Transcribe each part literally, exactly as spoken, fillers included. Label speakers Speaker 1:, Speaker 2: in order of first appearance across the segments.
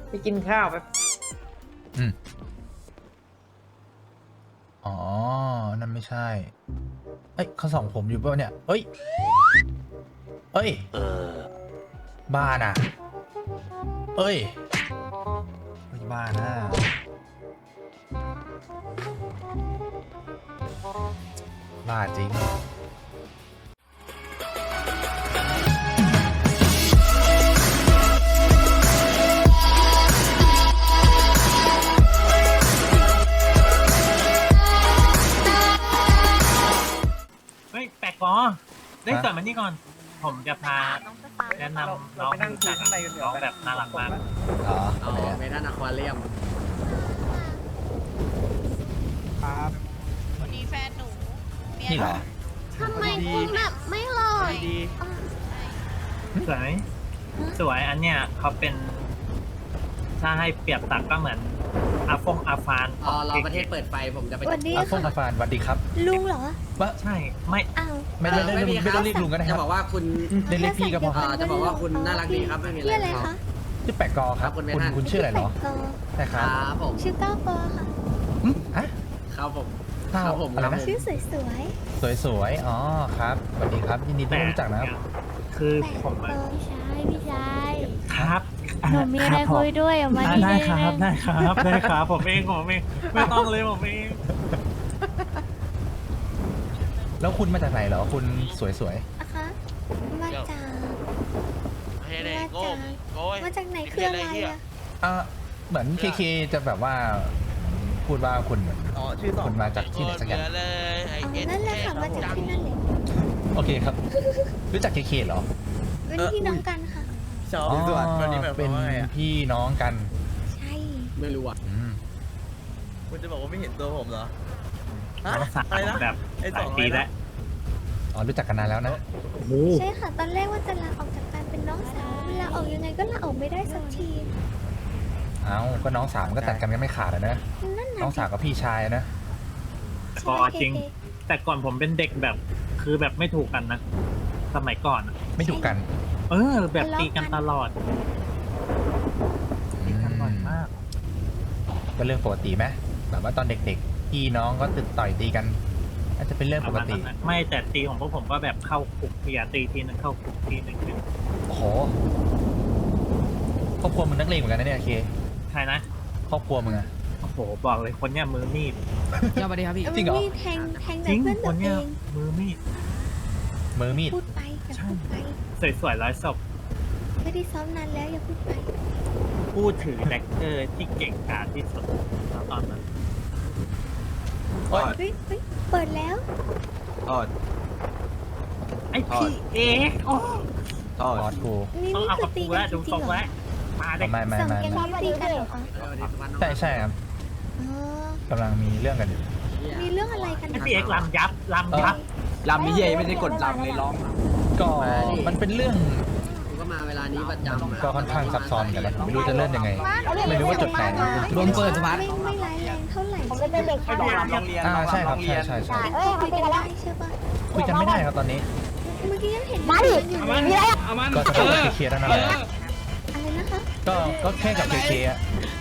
Speaker 1: ไปกินข้าวไป
Speaker 2: อืมอ๋อนั่นไม่ใช่เอ้ยเขาส่องผมอยู่ป่ะเนี่ยเอ้ยเอ้ยเออบ้าน่ะเอ้ยไม่บ้านะบ้าจริง
Speaker 3: เฮ้ยแปลกกอได้สอนมานี่ก่อน ผมจะพาแนะนำน้องรู้จักน้องแบบน่ารักมาก
Speaker 2: อ๋อ
Speaker 4: อ๋อเมทัลอะควาเรียม
Speaker 1: ครับ
Speaker 5: คนนี้แฟนหนูเมีย
Speaker 2: นี่เหรอ
Speaker 5: ทำไมคุณแบบไม่หล่อ
Speaker 3: สวยไหมสวยอันเนี้ยเขาเป็น ถ้าให้เปรียบตักก็เหมือนอาฟงอาฟาน
Speaker 4: อ๋อรอประเทศเปิดไฟผมจะไป
Speaker 6: วันนี้
Speaker 2: อาฟง
Speaker 6: ค่ะ
Speaker 2: อาฟานสวัสดีครับ
Speaker 6: ลุงเหรอ
Speaker 2: ว่า
Speaker 3: ใช่ไม่
Speaker 6: อ้าว
Speaker 2: ไม่ได้ไม่ได้ไม่ต้องเรียกลุงก็ได้ค
Speaker 4: จะ
Speaker 2: รั
Speaker 4: บบ อกว่าคุณ
Speaker 2: เรียกเรียกพี่ก็พอ
Speaker 4: อ่าจะบอกว่าคุณน่ารักดีครับไม่มีอะไร
Speaker 6: ชื่ออะไรคะ
Speaker 2: ชื่อแปะกอครับ
Speaker 4: คุณ
Speaker 2: คุณ
Speaker 4: เมทัล
Speaker 2: คุณชื่ออะไรเหรอ
Speaker 6: แปดกอ
Speaker 2: ใช่ค
Speaker 4: ครับ รับผม
Speaker 6: ชื่อก้าวกอค่ะ
Speaker 2: อืมอะ
Speaker 4: ครับผม
Speaker 2: ข้า
Speaker 4: คว รับผม
Speaker 2: อะไร
Speaker 4: ครับ
Speaker 2: นะ
Speaker 4: ผม
Speaker 6: ชื่อสวย
Speaker 2: สวยๆอ๋อครับสวัสดีครับยินดีที่
Speaker 3: แต่
Speaker 2: ได้รู้จักนะครับ
Speaker 3: คือ
Speaker 6: ๆแปด
Speaker 3: ผม
Speaker 6: กอ
Speaker 5: พี่ชายพี่ชาย
Speaker 3: ครับ
Speaker 5: หนูมีอะไรคุยด้วยออกมา
Speaker 3: อ่า
Speaker 5: ดี
Speaker 3: ได้
Speaker 5: ๆ
Speaker 3: ครับได้ครับได้ครับผมเองผมเองไม่ต้องเลยผมเอง
Speaker 2: แล้วคุณมาจากไหนเหรอคุณสวย
Speaker 6: นะคะมาจาก
Speaker 7: ไม่ได้
Speaker 6: มา
Speaker 7: โก้
Speaker 6: จาก
Speaker 7: โก้ย
Speaker 6: มาจากไหนคืออะไรอ่ะ
Speaker 2: ๆอ่าเหมือนเคเคจะแบบว่าพูดว่าคุณเหมือน
Speaker 1: อ๋อชื่อสอง
Speaker 2: คุณมาจากที่ไหนสักอย่าง
Speaker 7: เเลยไอ
Speaker 6: อ๋อ
Speaker 7: เอ็น
Speaker 6: นั่นแหละค่ะมาจากที่นั่นเลย
Speaker 2: โอเคครับ รู้จักเคเคเหรอ
Speaker 6: เป็นพี่น้องกันค่ะ
Speaker 1: ชอบสวัสดิ์วันนี้หมายค
Speaker 2: เป็
Speaker 1: วาม
Speaker 2: น
Speaker 1: ว่าไงอ่ะ
Speaker 2: พี่น้องกัน
Speaker 6: ใช่
Speaker 4: ไม่รู้อ่ะ
Speaker 2: อืม
Speaker 1: คุณจะบอกว่าไม่เห็นตัวผมเหรอฮะ
Speaker 3: น้องสาว
Speaker 1: อะไรนะ
Speaker 3: แบบ
Speaker 1: ไอ้
Speaker 3: ห
Speaker 1: ส
Speaker 3: ลา
Speaker 1: อย ง
Speaker 3: ปี
Speaker 1: อะไร
Speaker 3: แล้
Speaker 1: นะ
Speaker 3: ว
Speaker 2: อ๋อรู้จักกันนานแล้วนะ
Speaker 6: ใช่ค่ะตอนแรกว่าจะลาออกจากการเป็นน้องสาวลาออกยังไงก็ลาออกไม่ได้สักที
Speaker 2: เอ้าก็น้องสาวมันก็ตัดกันกันไม่ขาดอะนะ
Speaker 6: นั่น
Speaker 2: น้อง
Speaker 6: น่ะ
Speaker 2: สาวกับพี่ชายอะนะ
Speaker 3: พอจริง แต่ก่อนผมเป็นเด็กแบบ คือแบบไม่ถูกกันนะ สมัยก่อนอะ
Speaker 2: ไม่ถูกกัน
Speaker 3: เออ แบบตีกันตลอดตีกันบ่อยมาก
Speaker 2: ก็เรื่องปกติไหมแบบว่าตอนเด็กๆพี่น้องก็ติดต่อยตีกันอาจจะเป็นเรื่องปกติ
Speaker 3: ไม่แต่ตีของพวกผมก็แบบเข้าคุกทีอะตีทีนึงเข้าคุกทีนึง
Speaker 2: โอ้โหครอบครัวมึงนักเลงเหมือนกันนะเนี่ยเค
Speaker 3: ใช่นะ
Speaker 2: ครอบครัวมึงอะ
Speaker 3: โอ้โหบอกเลยคนเนี้ยมือมีด
Speaker 4: สวัสดีครับพี่
Speaker 2: จริงเหรอ
Speaker 6: มีแทงแทง
Speaker 3: จ
Speaker 6: แต่
Speaker 3: ริง
Speaker 6: เพื่อน
Speaker 3: ค
Speaker 6: ตัวน เอ
Speaker 3: เนี้ย
Speaker 6: ง
Speaker 3: มือมีด
Speaker 2: มือมีด
Speaker 6: พูดไปอย่าพูดไป
Speaker 3: สวยๆร้อยศพ
Speaker 6: ไม่ได้ซ้อมนานแล้วอย่าพูดไป
Speaker 3: ผู้ถือแดกเกอร์ที่เก่งกาจที่สุดตอนนั้น
Speaker 2: โอ๊ย
Speaker 6: เฮ้ยเฮ้ยเปิดแล้ว
Speaker 1: อ๋อ
Speaker 3: ไอพี่เอ๊ะโอ้
Speaker 1: อ๋อ
Speaker 2: บอสกู
Speaker 6: นี่
Speaker 3: ต้อง
Speaker 6: นี่
Speaker 3: เอา
Speaker 6: คื
Speaker 3: กั
Speaker 6: อบ ตี
Speaker 3: กู
Speaker 6: กัน
Speaker 3: แล้ว
Speaker 6: จ
Speaker 3: ดู
Speaker 6: ริ
Speaker 3: ทรง
Speaker 6: งๆเหรอ
Speaker 3: แล้วมาเด็ก
Speaker 2: ไม่ไม่
Speaker 6: สอง
Speaker 2: ไม่
Speaker 6: แกง
Speaker 2: ไม่
Speaker 6: นี้ตีกันเหรอคะ
Speaker 4: สวัสดีสุพรรณ
Speaker 2: ใช่ใช่ครับ
Speaker 6: อ๋อก
Speaker 2: ำลังมีเรื่องกันอยู่
Speaker 6: มีเรื่องอะไรกัน
Speaker 3: ไอ
Speaker 6: นะ
Speaker 3: พี่เอ็กซ์ลำยับลำยับ
Speaker 1: ลำนี้เย่ไม่ได้กดลำเลยร้อง
Speaker 2: ก็มันเป็นเรื่อง
Speaker 4: ผมก็มาเวลานี้ประจำะ
Speaker 2: ก็ค่อนข้างซับซ้อนกันนะไม่รู้จะเริ่มยังไง ไม่รู้ว่าจุดไหน
Speaker 6: รวมเปิดสมาร์ทไม่ไม่ร้ายแรงเท่าไหร่
Speaker 5: ผมเป็นเด็ก
Speaker 1: ให้ลองลำโรงเรียน
Speaker 2: อ่า
Speaker 1: ลอง
Speaker 2: ใช่ครับ
Speaker 1: ลำโง
Speaker 2: ใช่
Speaker 1: เยน
Speaker 2: ใช่ใช่
Speaker 5: เอ้ย
Speaker 6: คุยกันได้ใช่ปะ
Speaker 2: คุยกันไม่ได้ครับตอนนี้
Speaker 6: เมื่อกี้ยังเห็น
Speaker 5: มาดิ
Speaker 6: อยู่
Speaker 5: มี
Speaker 6: เลย
Speaker 5: อะไร
Speaker 2: ก็จะเป็นกับเคเคแล้วนั่นแหละ
Speaker 6: อะไรนะคะ
Speaker 2: ก็ก็แค่กับเคเคอะ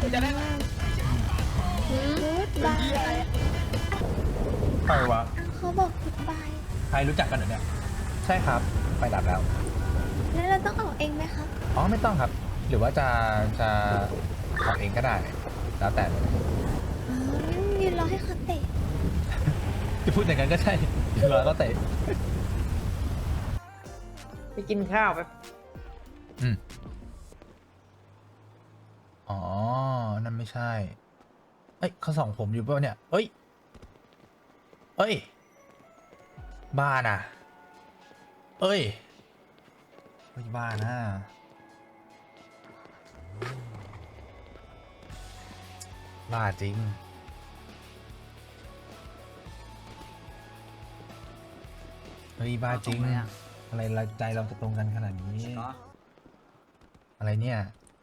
Speaker 6: กูดบาย
Speaker 2: ใครวะ
Speaker 6: เขาบอกกูดบาย
Speaker 2: ใครรู้จักกันเหรอเนี่ยใช่ครับไปดับแล้ว
Speaker 6: แล้วเราต้องออกเองไหมคะ
Speaker 2: อ๋อไม่ต้องครับ หรือว่าจะจะทำเองก็ได้ แล้วแต่เลย
Speaker 6: อ๋องั้นยืนรอให้เขาเตะ
Speaker 2: จะพูดอย่างนั้นก็ใช่รอก็เตะ
Speaker 1: ไปกินข้าวไป
Speaker 2: อืมอ๋อนั่นไม่ใช่เอ้ยเขาส่องผมอยู่ป่ะเนี่ยเอ้ยเอ้ยบ้าน่ะเอ้ยเฮ้ยบ้านะบ้าจริงเฮ้ยบ้าจริงอะไรเราใจเราจะตรงกันขนาดนี้อะไรเนี่ย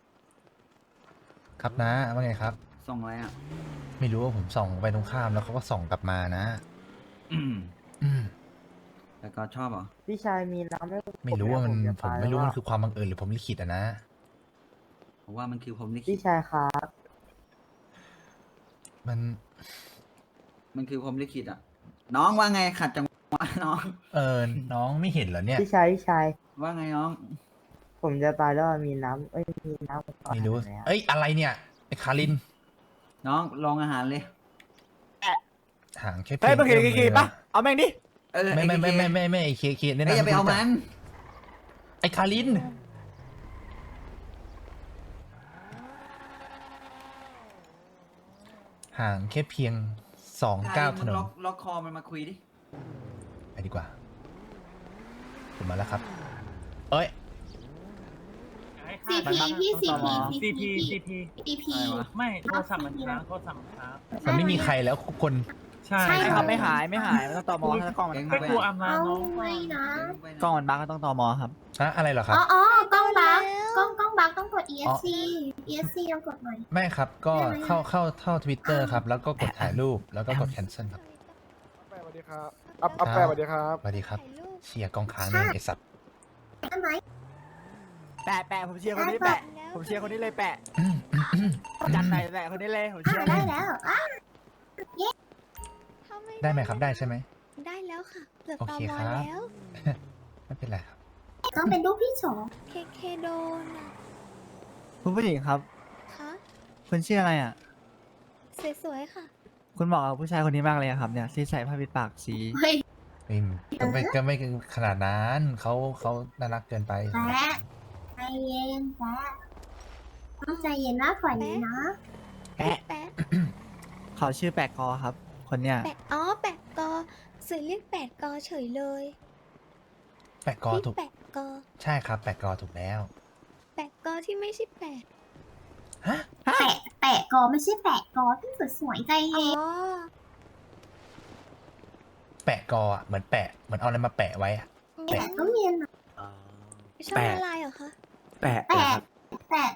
Speaker 2: ครับนะว่าไงครับ
Speaker 8: ส่งอะไรอ่ะ
Speaker 2: ไม่รู้ว่าผมส่องไปตรงข้ามแล้วเขาก็ส่องกลับมานะ
Speaker 8: อืม
Speaker 2: อืม
Speaker 8: แต่ก็ชอบเหรอ
Speaker 1: พี่ชายมีน้ำให้
Speaker 2: ไม่รู้ว่ามัน
Speaker 1: จะ
Speaker 2: ผม
Speaker 1: ตย
Speaker 2: ไม่รู้ว่า
Speaker 1: แล้
Speaker 2: มันคือความบังเอิญหรือผมลิขิตอะนะ
Speaker 8: ผมว่ามันคือผมลิขิ
Speaker 9: พี่
Speaker 8: ต
Speaker 9: ชายครับ
Speaker 2: มัน
Speaker 8: มันคือผมลิขิตอ่ะ น้องว่าไงขัดจังหวะน้อง
Speaker 2: เออน้องไม่เห็นเหรอเนี่ย
Speaker 9: พี่ชายพี่ชาย
Speaker 8: ว่าไงน้อง
Speaker 9: ผมจะตายแล้วมีน้ำเอ้ยมีน้ำก่อน
Speaker 2: ไม่รู้
Speaker 9: ไหมอะ
Speaker 2: เอ้ยอะไรเนี่ยไอ้คาริน
Speaker 8: น้องลองอาหารเลย
Speaker 2: ห่างแค่
Speaker 10: เฮ้ยมึงเห็น
Speaker 2: อื้
Speaker 10: กี่
Speaker 2: อ
Speaker 10: ๆปะเอาแม่งดิ
Speaker 8: เออ
Speaker 2: ไม่ไม่ไม่
Speaker 8: อ้
Speaker 2: ไม่ไม่ไม่ไอ้เคเคเนี่ย
Speaker 8: เอ้ยอย่าไปเอามัน
Speaker 2: ไอ้คาริน ห่างแค่เพียงสองก้าวถนน
Speaker 8: ล็อกล็อกคอมันมาคุยดิ
Speaker 2: ไปดีกว่าผมมาแล้วครับ เอ้ย
Speaker 5: ซีพีพี่ซีพี
Speaker 3: ซีพีซีพี
Speaker 5: ซีพี
Speaker 8: อะไรวะ
Speaker 3: ไม่โทรศัพท์มันค้างโทรศัพท์มันค้าง
Speaker 2: มันไม่มีใครแล้วคน
Speaker 3: ใช่
Speaker 5: ใช่
Speaker 10: ไม่ครับไม่หายไม่หายไม่ต้องตอมอถ้ากล้องมัน
Speaker 8: แก๊ง
Speaker 3: ก็กลัวอำนา
Speaker 5: เอา
Speaker 3: จน้อง
Speaker 5: ไม่นะ
Speaker 10: กล้องมันบั๊กก็ต้องตอมอครับ
Speaker 2: อะอะไรเหรอครับ
Speaker 5: อ๋ออ๋อกล้องบักกล้องกล้องบักต้องกด E S C E S C ต้องกดหน่อย
Speaker 2: ไม่ครับ ก็
Speaker 5: ได้ไหม
Speaker 2: เข้าเข้าเข้าทวิตเตอร์ครับ แล้วก็กดถ่ายรูป แล้วก็กด cancel ครับ
Speaker 10: สวัสดีครับอัพอัพแปะสวัสดีครับ
Speaker 2: สวัสดีครับ เชียร์กองค้างเนี่ยไอสัตว์
Speaker 5: ได้ไหม
Speaker 10: แปะแปะผมเชียร์คนนี้แปะผมเชียร์คนนี้เลยแปะ
Speaker 2: อืมอืมอืม
Speaker 10: จัดไหนแปะคนนี้เลยผมเชีย
Speaker 5: อ่า
Speaker 10: ร์เล
Speaker 5: ได้
Speaker 10: ย
Speaker 5: แล้วอ่ะ
Speaker 2: ได้ไหมครับได้ใช่ไหม
Speaker 6: ได้แล้วค่ะเกือบ
Speaker 2: โอ
Speaker 6: ตอ
Speaker 2: เค
Speaker 6: มอ
Speaker 2: ครับ
Speaker 6: แล้ว
Speaker 2: ไม่เป็นไรครับ
Speaker 5: ต้องเป็นรูปพี่สอง
Speaker 6: เคเคโดนอ่ะ
Speaker 10: คุณผู้หญิงครับ
Speaker 6: คะ
Speaker 10: คุณชื่ออะไรอ่ะ
Speaker 6: สวยๆค่ะ
Speaker 10: คุณเหมาะกับผู้ชายคนนี้มากเลยอะครับเนี่ยที่ใส่ผ้าปิดปากสี
Speaker 5: เฮ้ย
Speaker 2: ไม่ก็ไม่ก็ไม่ขนาดนั้นเขาเขาน่ารักเกินไป
Speaker 5: แปะใจเย็นแปะต้องใจเย็นมากกว่านี้นะ
Speaker 10: แปะ
Speaker 6: แปะ
Speaker 10: เขาชื่อแปะกอครับ คนเนี้ย
Speaker 6: แปะอ๋อแปะกอสื่อเรียกแปะกอเฉยเลย
Speaker 2: แปะกอ
Speaker 6: พี่
Speaker 2: ถูก
Speaker 6: แปะกอ
Speaker 2: ใช่ครับ แปะกอถูกแล้ว
Speaker 6: แปะกอที่ไม่ใช่แปะ
Speaker 2: ฮะ
Speaker 5: แปะแปะกอไม่ใช่แปะกอที่สวยๆใจ
Speaker 6: อ๋
Speaker 5: เย็น
Speaker 6: อ
Speaker 2: แปะกออ่ะเหมือนแปะเหมือนเอาอะไรมาแปะไว้อะ
Speaker 5: แปะต้องเย็นหน่อย
Speaker 6: ชอบอะไรเหรอคะ
Speaker 10: แปะ
Speaker 5: แปะแปะ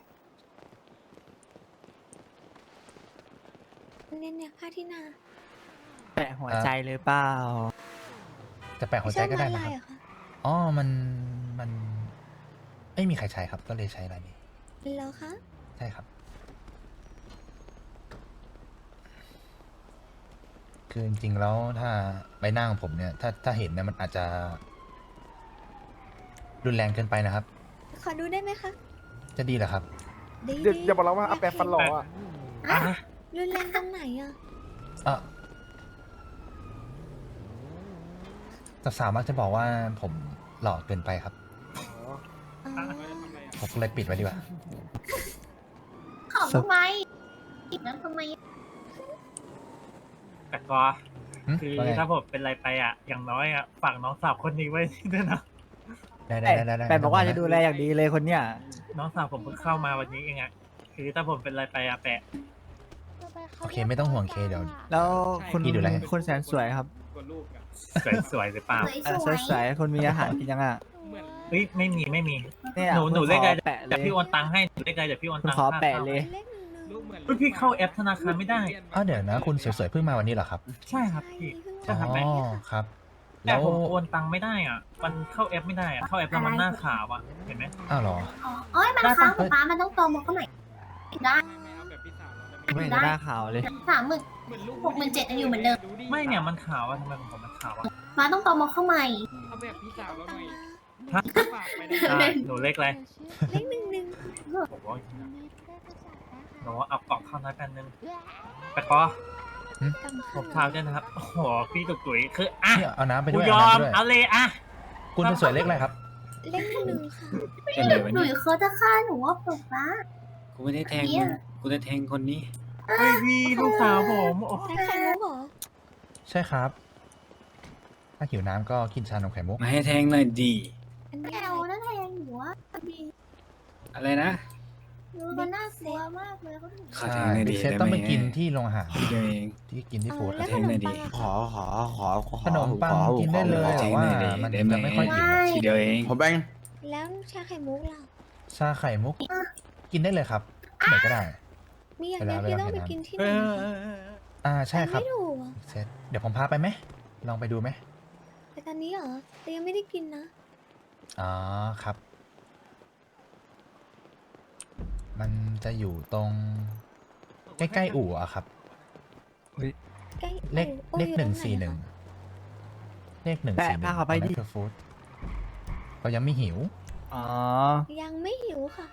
Speaker 6: เนี่ยเนี่ยผ้าที่นา
Speaker 10: แปะหัวใจหรือเปล่า
Speaker 2: จะแปะหัวใจก็ได้
Speaker 6: ชอบ
Speaker 2: นะ
Speaker 6: ลาย
Speaker 2: ค
Speaker 6: เหร
Speaker 2: รับ
Speaker 6: อคะ
Speaker 2: อ๋อมันมันไม่มีใครใช้ครับ ก็เลยใช้ลายนี้
Speaker 6: แล้วคะ
Speaker 2: ใช่ครับ คือจริงๆแล้วถ้าใบหน้าของผมเนี่ย ถ้าถ้าเห็นเนี่ยมันอาจจะ รุนแรงเกินไปนะครับ
Speaker 6: ขอดูได้ไหมคะ
Speaker 2: จะดีเหรอครับ
Speaker 6: ดี
Speaker 10: อย่า
Speaker 6: ดี
Speaker 10: อย่าบอกเราว่าอัพแปะฟันหล่ออ่ะ
Speaker 3: อ่ะ
Speaker 6: รุนแรงตรงไหนอ่ะ
Speaker 2: เออแต่สาวมักจะบอกว่าผมหล่อเกินไปครับ
Speaker 6: อ๋อ
Speaker 2: ผมเลยปิดไว้ดีกว่า
Speaker 5: ขอบทำไมอีกนั้นทำไม
Speaker 3: แต่ก็
Speaker 2: หึ
Speaker 3: คือ
Speaker 2: ว่าไง
Speaker 3: ถ้าผมเป็นอะไรไปอ่ะ อย่างน้อยอ่ะฝากน้องสาวคนนี้ไว้ด้วยนะ
Speaker 2: ได้ได้ได้ได้
Speaker 10: แปะบอกว่าจะดูแลอย่างดีเลยคนเนี้ย
Speaker 3: น้องสาวผมเพิ่งเข้ามาวันนี้เองอ่ะคือถ้าผมเป็นอะไรไปอ่ะแปะ
Speaker 2: โอเคไม่ต้องห่วงเคเดี๋ยว
Speaker 10: แล้วคุณ
Speaker 2: พี่ดูแล
Speaker 10: คุณแสนสวยครับ
Speaker 3: สวยๆหรือเปล่า
Speaker 5: สวย
Speaker 10: เออ
Speaker 5: สวย
Speaker 10: สวยๆคุณมีอาหารกินยังอ่ะ
Speaker 3: เฮ้ยไม่มีไม่มี
Speaker 10: เนี่ย
Speaker 3: หนูหนู
Speaker 10: คุณ
Speaker 3: เลขอะไร
Speaker 10: ขอแปะเล
Speaker 3: เดี๋ย
Speaker 10: ยว
Speaker 3: พี่โอนตังค์ให้หนูเลขอะไรเดี๋ยวพี่โอน
Speaker 10: คุณ
Speaker 3: ตังค์
Speaker 10: ขอ
Speaker 3: ค่า
Speaker 10: แปะ
Speaker 3: ข้าว
Speaker 10: เลย
Speaker 6: เลขหนึ่งหนึ่ง
Speaker 3: เฮ้ยพี่เข้าแอปธนาคารไม่ได้
Speaker 2: อ้าวเดี๋ยวนะ คุณสวยๆเพิ่งมาวันนี้เหรอครับ
Speaker 3: ใช่ครับพี่
Speaker 6: ใช่
Speaker 3: ใช่
Speaker 6: เพิ่ง
Speaker 3: ครับ
Speaker 2: อ๋
Speaker 3: แม่
Speaker 2: อครับ
Speaker 3: แต่
Speaker 2: แล้ว
Speaker 3: ผมโอนตังค์ไม่ได้อ่ะ มันเข้าแอปไม่ได้อ่ะ เข้าแอปแล้วมันหน้าขาวอ่ะ เห็นไหม
Speaker 2: อ้าวเหรอ
Speaker 5: อ๋อโอ้ยมันค้างป๊าป๊ามันต้องโตมาเข้าใหม่ได้
Speaker 10: ไม่เห็นจะหน้าขาวเลย
Speaker 5: สามหมื่นหกหมื่นเจ็ดยังอยู่เหมือนเดิม
Speaker 3: ไม่เนี่ยมันขาวอ่ะทำไมของผมมันขาวอ่ะ
Speaker 5: ป๊าต้องโตมาเข้าใหม่
Speaker 3: ฮะอ่ะหนูเลขอะไร
Speaker 6: เลขหนึ่งหนึ่ง
Speaker 3: ผมว่าหนูเอากล่องข้าวน้อยแผ่นนึงแต่ก็
Speaker 6: กำ
Speaker 3: ผมเท้าด้วยนะครับ โอ้โห พี่ตุกตุ๋ยคืออ่ะ
Speaker 2: เนี่ยเอาน้ำไป
Speaker 3: กู
Speaker 2: ด้วย
Speaker 3: ย
Speaker 2: เอา
Speaker 3: อ
Speaker 2: น้ำ
Speaker 3: ม
Speaker 2: ไปด้วย
Speaker 3: เอาเลยอ่ะ
Speaker 2: คุณเป็นสวยเล็กอะไรครับ
Speaker 6: เลขหนึ่งหนึ่งค่ะ
Speaker 5: หนูเขาจะฆ่าหนูว่าป๊าป๊า
Speaker 8: กูไม่ได้แทง
Speaker 5: เนี่ย
Speaker 8: กูจะแทงคนนี้
Speaker 3: เฮ้ยพี่ลูกสาวผมโอ้
Speaker 6: ใช้ไข่มุกเหรอ
Speaker 2: ใช่ครับ ถ้าหิวน้ำก็กินชานมไข่มุก
Speaker 8: มาให้แทงหน่อยดี
Speaker 6: อัน
Speaker 5: แอ
Speaker 6: นี้
Speaker 5: ลนั่นแทงหนูว่าดี
Speaker 8: อะไรนะ
Speaker 5: หนูมันน่ากลัวมากเลยเขาถึง
Speaker 8: ขอ
Speaker 2: ใช่
Speaker 8: แทงหน่อย
Speaker 2: ดิ
Speaker 8: ดี
Speaker 2: เซต
Speaker 8: ได้
Speaker 2: ต้อง
Speaker 8: ไหม
Speaker 2: ไปกินที่โรงอาหาร
Speaker 8: ทีเดียวเอง
Speaker 2: ที่กินที่
Speaker 6: เอ
Speaker 2: ฟู้
Speaker 6: อ
Speaker 2: ด
Speaker 6: แล้ว
Speaker 8: แท
Speaker 6: ข
Speaker 8: ง
Speaker 6: น
Speaker 8: หน่
Speaker 6: ม
Speaker 8: อยดิ
Speaker 6: ปังอะ
Speaker 9: ขอขอขอขอ
Speaker 2: ขนมปังกินได้เลย
Speaker 8: ขอ
Speaker 2: แต่
Speaker 8: แทง
Speaker 2: ว่า
Speaker 8: หน่อยดิ
Speaker 2: มัน
Speaker 8: ได้ไหม
Speaker 2: จะไม่ค่อยหิว
Speaker 8: ทีเดียวเอง
Speaker 9: ผมแบง
Speaker 6: แล้วชาไข่มุกเรา
Speaker 2: ชาไข่มุก กินได้เลยครับที่ไหนก็ได้
Speaker 6: มีอย่างเดียวที่ต้องไปกินที่ไหน
Speaker 3: เออ
Speaker 6: คะ
Speaker 3: เออเออ
Speaker 2: อ่าใช่ครับ
Speaker 6: ไม่ถูกอะ
Speaker 2: เซตเดี๋ยวผมพาไปไหมลองไปดูไหม
Speaker 6: แต่ตอนนี้เหรอแต่ยังไม่ได้กินนะ
Speaker 2: อ๋อครับ ไมันจะอยู่ตรงใกล้ๆอู่อะครับ
Speaker 6: ใกล้
Speaker 2: เลข
Speaker 6: โอ้
Speaker 2: เล
Speaker 6: ย
Speaker 2: ข
Speaker 6: อยู่
Speaker 2: หนึ่ง
Speaker 6: ตรไ
Speaker 2: สี่หนึ่ง
Speaker 6: คะ
Speaker 2: เลขหนึ่ง
Speaker 10: แปะ
Speaker 2: สี่หนึ่
Speaker 10: พาง เขาไปดิ
Speaker 2: ฟู้ดเรายังไม่หิว
Speaker 10: อ๋อ
Speaker 6: ยังไม่หิวค่ะ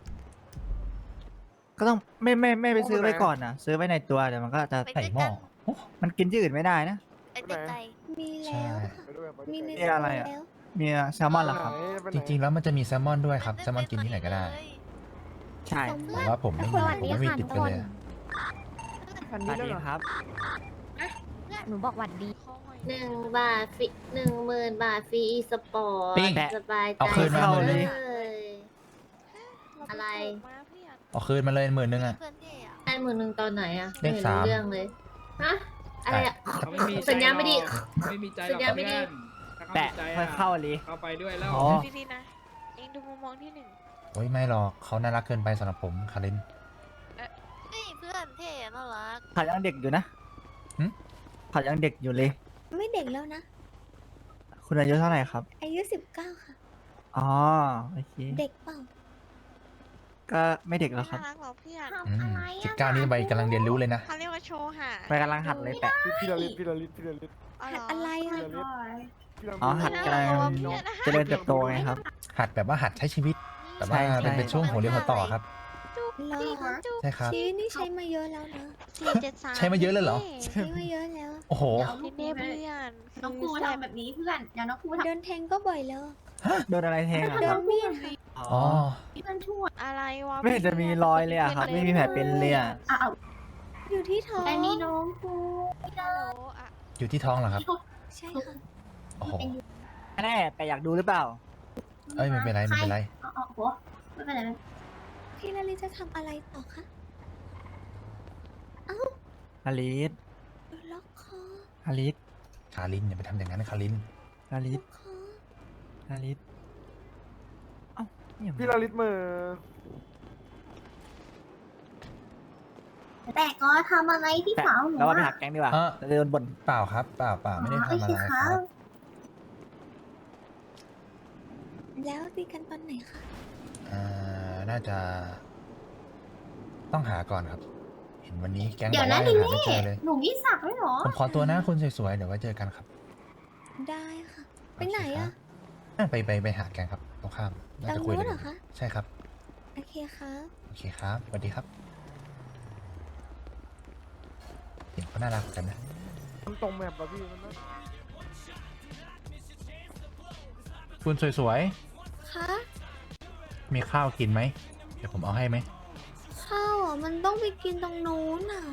Speaker 10: ก็ต้องไม่ไม่ไม่ไปซื้อไว้ก่อนนะซื้อไว้ในตัวเดี๋ยวมันก็จะ
Speaker 2: ใส่หม้อโอ้
Speaker 10: มันกินที่อื่นไม่ได้นะ
Speaker 6: มีแล้วค่ะมีใน
Speaker 10: นี่อะไรอะ
Speaker 6: แล้ว
Speaker 10: มีแซลมอนเหรอครับ
Speaker 2: จริงๆแล้วมันจะมีแซลมอนด้วยครับแซลมอนกินที่ไหนก็ได้
Speaker 10: ใช่
Speaker 2: แต่ว่าผมไม่มีผมไม่มีติดไปเลยอะ
Speaker 10: สวัสดีครับ
Speaker 6: หนูบอกหวัดดี
Speaker 5: หนึ่งบาทฟรีหนึ่งหมื่นบาทฟรีอีสปอร์ต
Speaker 2: ปิ้ง
Speaker 5: สบายใจ
Speaker 2: เอาคืนมาหมื่นหนึ่ง
Speaker 5: เลยอะไร
Speaker 2: เอาคืนมาเลยหมื่นหนึ่งอะ
Speaker 5: ได้หมื่นหนึ่งตอนไหนอะ
Speaker 2: เลข
Speaker 5: ไม่
Speaker 2: สาม
Speaker 5: รู้เรื่องเลยฮะอะไรอะสัญญาณไม่ดี
Speaker 11: ไม่มีใจ
Speaker 5: สัญญาณไม่ดี
Speaker 10: แปะค่อยเข้าเลย
Speaker 11: เข้าไปด้วยแล้ว
Speaker 10: อ๋อ
Speaker 12: ดีๆนะ เองดูมุมมองที่หนึ่ง
Speaker 2: โอ้ยไม่หรอกเขาน่ารักเกินไปสำหรับผมคาริน
Speaker 12: เฮ้ยเพื่อนเท่น่ารัก
Speaker 10: ผัดยังเด็กอยู่นะ
Speaker 2: หึ
Speaker 10: ผัดยังเด็กอยู่เลย
Speaker 6: ไม่เด็กแล้วนะ
Speaker 10: คุณอายุเท่าไหร่ครับ
Speaker 6: อายุสิบเก้าค่ะ
Speaker 10: อ๋อโอเค
Speaker 6: เด็กเปล่า
Speaker 10: ก็ไม่เด็กแล้วครับ
Speaker 12: น่ารักเหรอเพื่อน
Speaker 2: อืมสิบเก้านี่ใบกำลังเรียนรู้เลยนะ
Speaker 12: เขาเรียกว่าโชว์หา
Speaker 10: ไปกำลังหัดเลยแปะ
Speaker 9: พี่ลลิตพี่ลลิตพี่ลลิต
Speaker 12: อ๋อ
Speaker 6: หั
Speaker 12: เหร
Speaker 6: ด
Speaker 12: อ
Speaker 6: อะไรอ่ะ
Speaker 10: อ๋อหัดกำลังเจริญเติบโตไงครับ
Speaker 2: หัดแบบว่าหัดใช้ชีวิตแบบว่า
Speaker 10: ใช่ใช่
Speaker 2: เป็นเป็นช่วงหัวเรียวหัวต่อครับ
Speaker 6: เหรอ
Speaker 2: ใช่ครับ
Speaker 6: ชีวิตนี่ใช้มาเยอะแล้วนะ
Speaker 12: สี่เจ็ดสาม
Speaker 2: ใช้มาเยอะเลยเหรอ
Speaker 6: ใช้มาเยอะแล้ว
Speaker 2: โอ้โห
Speaker 12: นี่เน่เพื่อน
Speaker 5: น้องครูทำแบบนี้เพื่อนเดี๋ยวน้องครูทำ
Speaker 6: โดนแทงก็บ่อยแล้ว
Speaker 10: โดนอะไรแทงอ่ะ
Speaker 6: โด
Speaker 10: ครับ
Speaker 6: นมีดค่ะ
Speaker 2: อ๋อ
Speaker 5: เพื่อนช่วย
Speaker 12: อะไรวะ
Speaker 10: ไม่เห็นจะมีรอยเลยอ่ะครับ ไม่มีแผลเป็นเลยอ่ะ
Speaker 5: อ้าว
Speaker 6: อยู่ที่ท้อง
Speaker 5: แต่นี่น้องครู
Speaker 12: ฮัลโหลอ่ะ
Speaker 2: อยู่ที่ท้องเหรอครับ
Speaker 6: ใช่ค่ะ
Speaker 2: โอ้โห
Speaker 10: แน่แต่อยากดูหรือเปล่า
Speaker 2: เอ้ยไม่เป็นไรไม่เป็นไร
Speaker 5: อ๋ออ๋อโหไม่เป็นไรไม่
Speaker 6: พี่ลลิจะทำอะไรต่อคะ
Speaker 10: ฮาริส
Speaker 6: ล็อกคอ
Speaker 10: ฮาริส
Speaker 2: คารินอย่าไปทำอย่างนั้นคาริน
Speaker 10: ฮาริ
Speaker 6: ล็
Speaker 10: ส
Speaker 6: อกคอ
Speaker 10: ฮาริสเอ้าเนี่ย
Speaker 9: พี่ลลิตมือ
Speaker 5: แต่ก็ทำอะไรที่
Speaker 10: แปะ
Speaker 5: สาวหนู
Speaker 10: เราว่าไป
Speaker 5: อะ
Speaker 10: หักแก๊งดีกว่า
Speaker 2: เออ
Speaker 10: จะโดนบ่น
Speaker 2: เปล่าครับเปล่าเปล่าไม่ได้ทำอะไรครับ
Speaker 6: แล้วตีกันตอนไหนคะ
Speaker 2: อ่าน่าจะ ต้องหาก่อนครับ เห็นวันนี้แก๊งบ
Speaker 5: เดี๋
Speaker 2: อย ก
Speaker 5: วนะ
Speaker 2: ว่า
Speaker 5: ลิ
Speaker 2: ยัง
Speaker 5: ล
Speaker 2: หาไม่
Speaker 5: ลี่
Speaker 2: เจอเลย
Speaker 5: หนูมีสักด้วยเหรอ
Speaker 2: ผมขอตัวนะคุณสวยๆเดี๋ยวไว้เจอกันครับ
Speaker 6: ได้ค่ะ ไปไหนอะ
Speaker 2: อ่ะไปไปไปหาแก๊งครับตรงข้ามน่า
Speaker 6: ตรง
Speaker 2: จะคุย
Speaker 6: นู้
Speaker 2: กัน น
Speaker 6: เหรอคะ
Speaker 2: ใช่ครับ
Speaker 6: โอเคครับ
Speaker 2: โอเคครับสวัสดีครับเห็นเขาน่ารักกันนะ
Speaker 9: มันตรงแบบป่ะพี่มันนะ
Speaker 2: คุณสวย
Speaker 6: คะ
Speaker 2: ๆมีข้าวกินไหมเดี๋ยวผมเอาให้ไหม
Speaker 6: ข้าวอ่ะมันต้องไปกินตรงนู้นอ่ะ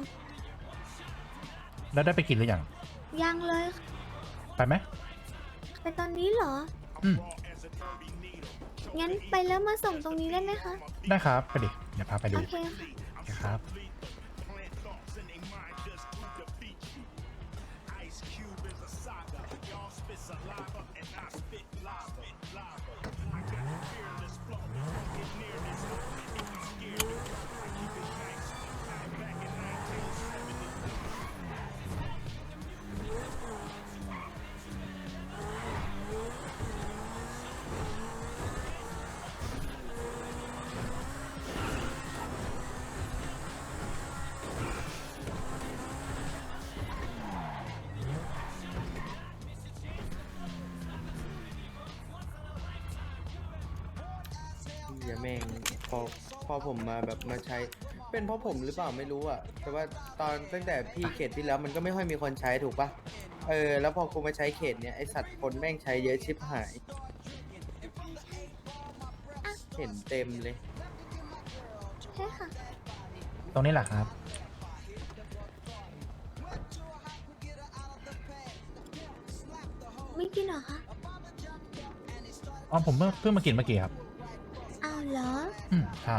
Speaker 2: แล้วได้ไปกินหรือยัง
Speaker 6: ยังเลยค่ะ
Speaker 2: ไปไหม
Speaker 6: ไปตอนนี้เหรอ
Speaker 2: อืม
Speaker 6: งั้นไปแล้วมาส่งตรงนี้ได้ไหมคะ
Speaker 2: ได้ครับไปดิเดี๋ยวพาไปดู
Speaker 6: โอเคค่ะ
Speaker 2: โอเคครับ
Speaker 1: เหี้ยแม่งพอพอผมมาแบบมาใช้ เป็นเพราะผมหรือเปล่าไม่รู้อ่ะ แต่ว่าตอนตั้งแต่พี่เขตที่แล้วมันก็ไม่ค่อยมีคนใช้ถูกปะเออแล้วพอกูมาใช้เขตเนี้ยไอสัตว์คนแม่งใช้เยอะชิบหาย เห็นเต็มเลย
Speaker 6: ใช่ค่ะ
Speaker 2: ตรงนี้แหละครับ
Speaker 6: ไม่กินเหรอคะ
Speaker 2: อ๋อผมเพิ่งเพิ่งมากินเมื่อกี้ครับ
Speaker 6: อ้าวเหรอ
Speaker 2: อืมใช่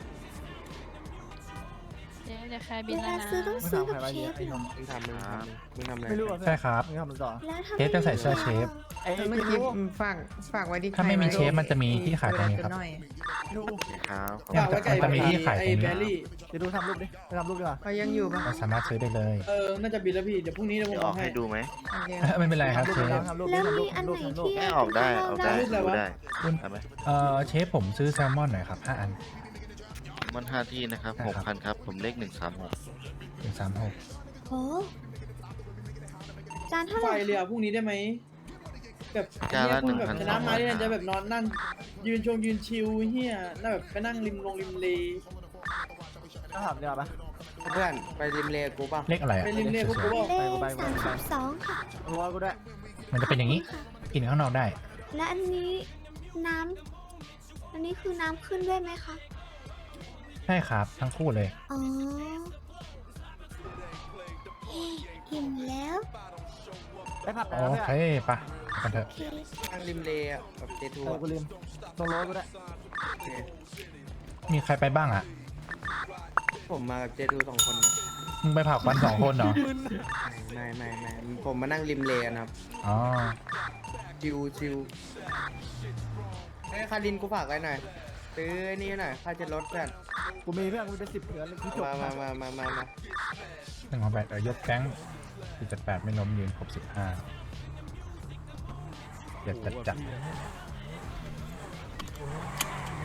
Speaker 12: เดี๋ยวเดี๋ยวใครบิ
Speaker 6: เวน
Speaker 12: แล้ว
Speaker 6: ลา
Speaker 12: นะ
Speaker 6: ซื้อต้องซื้อกับเชฟเหรอ
Speaker 1: มึงทำมึงทำมึงทำอะไร
Speaker 10: ไม่รู้อ่ะ
Speaker 2: ใช่ครับ
Speaker 10: ไม่ทำต่อ
Speaker 6: แล้วถ้า
Speaker 2: เชฟจะใส่เสื้อเชฟ
Speaker 10: ไอ้
Speaker 11: เมื่อ
Speaker 10: ไม่
Speaker 11: กี้
Speaker 10: รู้
Speaker 11: ฝากฝากไว้ที่
Speaker 2: ถ้าไม่มีเชฟมันจะมีที่ขายตรงนี้ครับ
Speaker 10: ดู
Speaker 2: เนี่ยมันจะมันจะมีที่ขายตรงนี้
Speaker 10: จะดูทำรูปดิไปทำรูปดีกว่า
Speaker 11: เขายังอยู่ปะ
Speaker 2: เราสามารถซื้อได้เลย
Speaker 11: เออ น่าจะบินแล้วพี่ เดี๋ยวพรุ่งนี้เดี๋ยวผมเอาให้ดูไหม
Speaker 2: ไม่เป็นไรครับ
Speaker 10: ทำรูป
Speaker 2: เช
Speaker 10: ดิ
Speaker 2: ฟ
Speaker 10: ทำรูปดิ
Speaker 6: แล้ว
Speaker 10: ทำรู
Speaker 6: มี
Speaker 10: ป
Speaker 6: อัน
Speaker 10: ทำรู
Speaker 6: ไห
Speaker 10: ป
Speaker 6: น
Speaker 10: ทำรูป
Speaker 6: ที่ออกได้ออกได้
Speaker 11: รูปอะไรวะ
Speaker 2: เอ่อเชฟผมซื้อแซลมอนหน่อยครับห้าอัน
Speaker 10: ไ
Speaker 7: มันห้าที่นะครับ
Speaker 2: ใช่
Speaker 7: หก
Speaker 2: ครับ
Speaker 7: คันครับ ผมเลขหนึ่งสามหก
Speaker 2: หนึ่งสามหก
Speaker 6: โอ้จานเท่าไห
Speaker 11: ไฟ
Speaker 6: ร่
Speaker 11: เรือ
Speaker 6: คะ
Speaker 11: พรุ่งนี้ได้ไหมแบบ
Speaker 7: จานละ
Speaker 11: เย
Speaker 7: หนึ่ง
Speaker 11: แบบ
Speaker 7: พัน
Speaker 11: ช
Speaker 7: ส
Speaker 11: นะ
Speaker 7: องร้
Speaker 11: มา
Speaker 7: อย
Speaker 11: เนี่ยจะแบบนอนนั่ง ยืนชงยืนชิวเฮียน่าแบบไปนั่งริมลงริมเล
Speaker 10: ต้องถามเดี๋ยวปะ
Speaker 1: เพื่อนไปริมเลกูป่ะ
Speaker 2: เลขอะไรอะ
Speaker 11: ไปริมเลกูกูบอก
Speaker 6: เลขสามสิบสองค่ะ
Speaker 10: รัวกูด้วย
Speaker 2: มันจะเป็นอย่างนี้ กินข้างนอกได้
Speaker 6: และอันนี้น้ำอันนี้คือน้ำขึ้นด้วยไหมคะ
Speaker 2: ใช่ครับ ทั้งคู่เลย
Speaker 6: อ๋อเฮ้อิ่มแล้ว
Speaker 10: ไปผับไหน
Speaker 2: โอ
Speaker 10: แล้ว
Speaker 2: เค
Speaker 10: เพื่อน
Speaker 2: ปะไปกันเถอะ
Speaker 6: โอเค
Speaker 1: นั่งริมเลอะแบบเจทู
Speaker 10: เออกูลืมตรงโลกูด้วย
Speaker 2: มีใครไปบ้างอะ
Speaker 1: ผมมากับเจทูสองคนนะ
Speaker 2: มึงไปผับกันสองคนเหรอ
Speaker 1: ไม่ไม่ไม่ผมมานั่งริมเลนะครับ
Speaker 2: อ๋อ
Speaker 1: ชิวชิวเฮ้ยคารินกูฝากไว้หน่อยซื้อนี่หน่อยค่าจะลดเพื่อน
Speaker 10: กูมีเพื่อนกูเป็นสิบเหลือเลยกูจบ
Speaker 1: มามามามามามา
Speaker 2: หนึ่งของแปดเออยกแก๊งสี่จัดแปดไม่ล้มยืนครบสิบห้าเจ็ดจัดจัด